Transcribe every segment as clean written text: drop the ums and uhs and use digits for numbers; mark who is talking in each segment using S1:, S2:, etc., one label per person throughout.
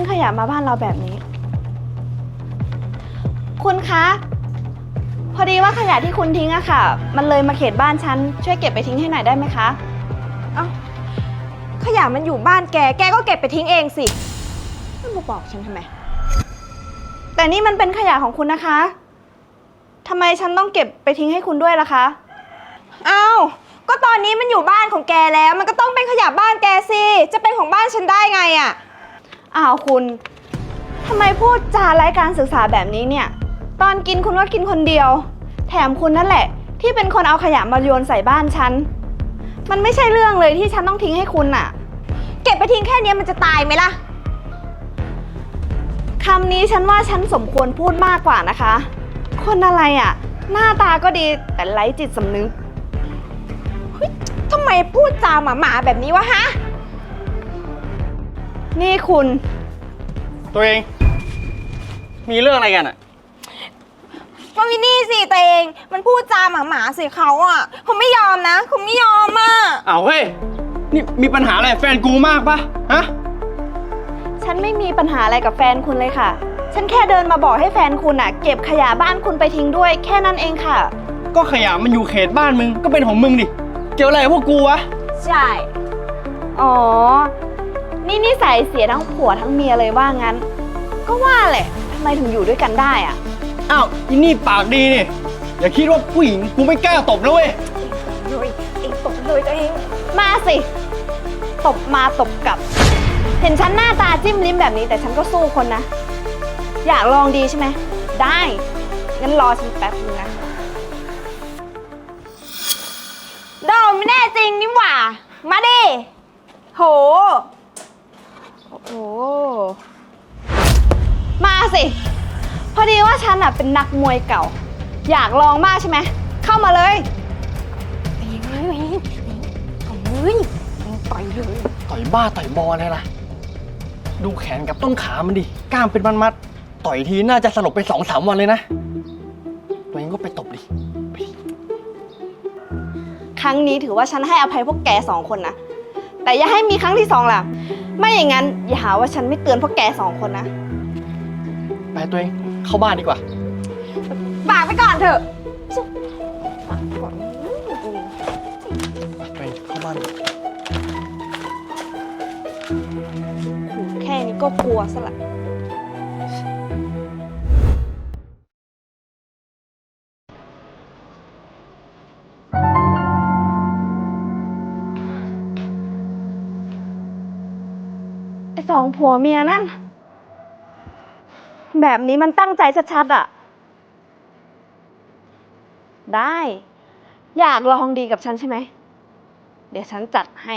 S1: ขยะมาบ้านเราแบบนี้คุณคะพอดีว่าขยะที่คุณทิ้งอะค่ะมันเลยมาเขตบ้านฉันช่วยเก็บไปทิ้งให้หน่อยได้ไหมคะ
S2: เอ้าขยะมันอยู่บ้านแกก็เก็บไปทิ้งเองสิไม่มาบอกฉันทำไม
S1: แต่นี่มันเป็นขยะของคุณนะคะทำไมฉันต้องเก็บไปทิ้งให้คุณด้วยล่ะคะ
S2: เอ้าก็ตอนนี้มันอยู่บ้านของแกแล้วมันก็ต้องเป็นขยะบ้านแกสิจะเป็นของบ้านฉันได้ไงอะ
S1: อ้าวคุณทำไมพูดจาไร้การศึกษาแบบนี้เนี่ยตอนกินคุณก็กินคนเดียวแถมคุณนั่นแหละที่เป็นคนเอาขยะมาโยนใส่บ้านฉันมันไม่ใช่เรื่องเลยที่ฉันต้องทิ้งให้คุณน่ะ
S2: เก็บไปทิ้งแค่นี้มันจะตายไหมล่ะ
S1: คำนี้ฉันว่าฉันสมควรพูดมากกว่านะคะคนอะไรอ่ะหน้าตาก็ดีแต่ไร้จิตสำนึก
S2: เฮ้ยทำไมพูดจาหมาๆแบบนี้วะฮะ
S1: นี่คุณ
S3: ตัวเองมีเรื่องอะไรกันอ่ะ
S2: ก็วินนี่สิตัวเองมันพูดจาหมาๆสิเขาอ่ะเขาไม่ยอมนะเขาไม่ยอมอ่ะ
S3: อ้าวเฮ้ยนี่มีปัญหาอะไรแฟนกูมากปะฮะ
S1: ฉันไม่มีปัญหาอะไรกับแฟนคุณเลยค่ะฉันแค่เดินมาบอกให้แฟนคุณอ่ะเก็บขยะบ้านคุณไปทิ้งด้วยแค่นั้นเองค่ะ
S3: ก็ขยะมันอยู่เขตบ้านมึงก็เป็นของมึงดิเกี่ยวอะไรกับพวกกูวะ
S2: ใช่
S1: อ๋อนี่นิสัยเสียทั้งผัวทั้งเมียเลยว่างั้นก็ว่าแหละทำไมถึงอยู่ด้วยกันได้อ่ะ
S3: อ้าวอินี่ปากดีนี่อย่าคิดว่าผู้หญิงกูไม่กล้าตบนะเว้ย
S2: เลยเองตบเลยตัวเอง
S1: มาสิตบมาตบกลับเห็นฉันหน้าตาจิ้มลิ้มแบบนี้แต่ฉันก็สู้คนนะอยากลองดีใช่ไหมได้งั้นรอฉันแป๊บนึงนะ
S2: ดอมไม่แน่จริงนี่หว่ามาดิโห
S1: โอ้มาสิพอดีว่าฉันอ่ะเป็นนักมวยเก่าอยากลองมากใช่ไหมเข้ามาเลย
S2: ต่อยเลย
S3: ต่อยบ้าต่อยบออะไรล่ะดูแขนกับต้นขามันดิกล้ามเป็นมัดๆต่อยทีน่าจะสลบไป 2-3 วันเลยนะตัวเองก็ไปตบดิ
S1: ครั้งนี้ถือว่าฉันให้อภัยพวกแก2 คนนะแต่อย่าให้มีครั้งที่2ล่ะไม่อย่างนั้นอย่าหาว่าฉันไม่เตือนพวกแก2 คนนะ
S3: ไปตัวเองเข้าบ้านดีกว่า
S2: ฝากไปก่อนเถอะ
S3: ไปเข้าบ้าน
S1: แค่นี้ก็กลัวซะละไอ้2 ผัวเมียนั่นแบบนี้มันตั้งใจชัดๆอ่ะได้อยากลองดีกับฉันใช่ไหมเดี๋ยวฉันจัดให้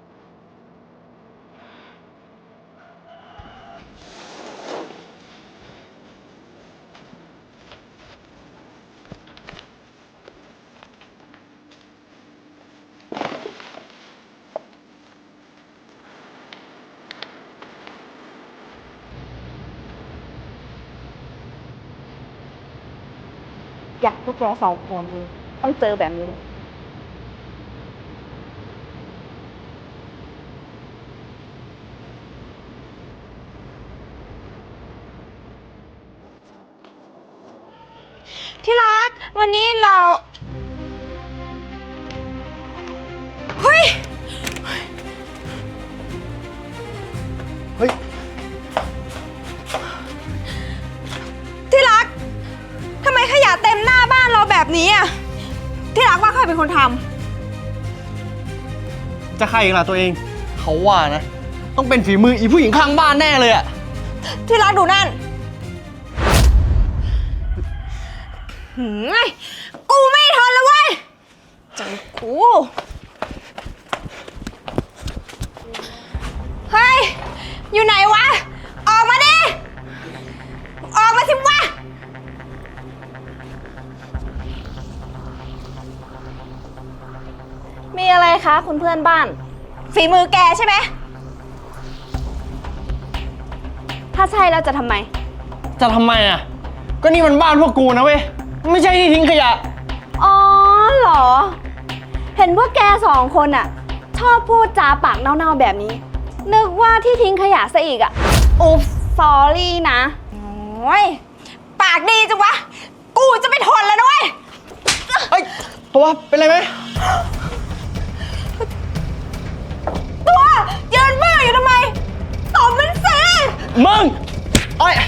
S1: อยากพวกเรา2 คนต้องเจอแบบนี้
S2: ที่รักวันนี้เราเฮ้ยที่รักทำไมขยะเต็มหน้าบ้านเราแบบนี้อ่ะที่รักว่าใครเป็นคนท
S3: ำจะใครอีกล่ะตัวเองเขาว่านะต้องเป็นฝีมืออีผู้หญิงข้างบ้านแน่เลยอะ
S2: ที่รักดูนั่นกูไม่ทนแล้วเว้ยจังกูเฮ้ยอยู่ไหนวะออกมาดิออกมาสิวะ
S1: มีอะไรคะคุณเพื่อนบ้าน
S2: ฝีมือแกใช่ไหม
S1: ถ้าใช่แล้วจะทำไม
S3: อ่ะก็นี่มันบ้านพวกกูนะเว้ยไม่ใช่ที่ทิ้งขยะ
S1: อ๋อเหรอเห็นพวกแก2 คนอ่ะชอบพูดจาปากเน่าๆแบบนี้นึกว่าที่ทิ้งขยะซะอีกอ่ะอุ๊บสอรี่นะ
S2: โอ้ยปากดีจังวะ กูจะไปทนแล้วนะเว้ย
S3: เฮ้ย ตัวเป็นไรไหม
S2: ตัวยืนบื้ออยู่ทำไมตบมันสิ
S3: มึงไอ้ย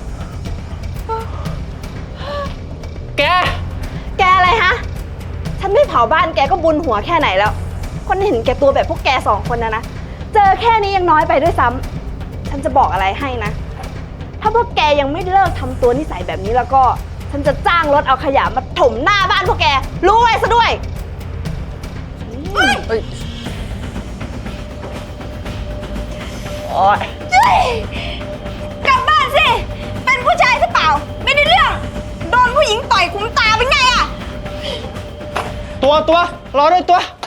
S3: แก
S1: แกอะไรฮะ ฉันไม่เผาบ้านแกก็บุญหัวแค่ไหนแล้ว คนเห็นแกตัวแบบพวกแกสองคนนะ เจอแค่นี้ยังน้อยไปด้วยซ้ำ ฉันจะบอกอะไรให้นะ ถ้าพวกแกยังไม่เลิกทำตัวนิสัยแบบนี้แล้วก็ ฉันจะจ้างรถเอาขยะมาถมหน้าบ้านพวกแก รู้ไว้ซะด้วย
S3: เฮ้ยโอ๊ย
S2: เฮ้ยกลับบ้านสิ เป็นผู้ชายหรือเปล่า ไม่ได้เรื่อง โดนผู้หญิงต่อยคุ้มตาเป็นไงอะ
S3: ตัว รอด้วยตัว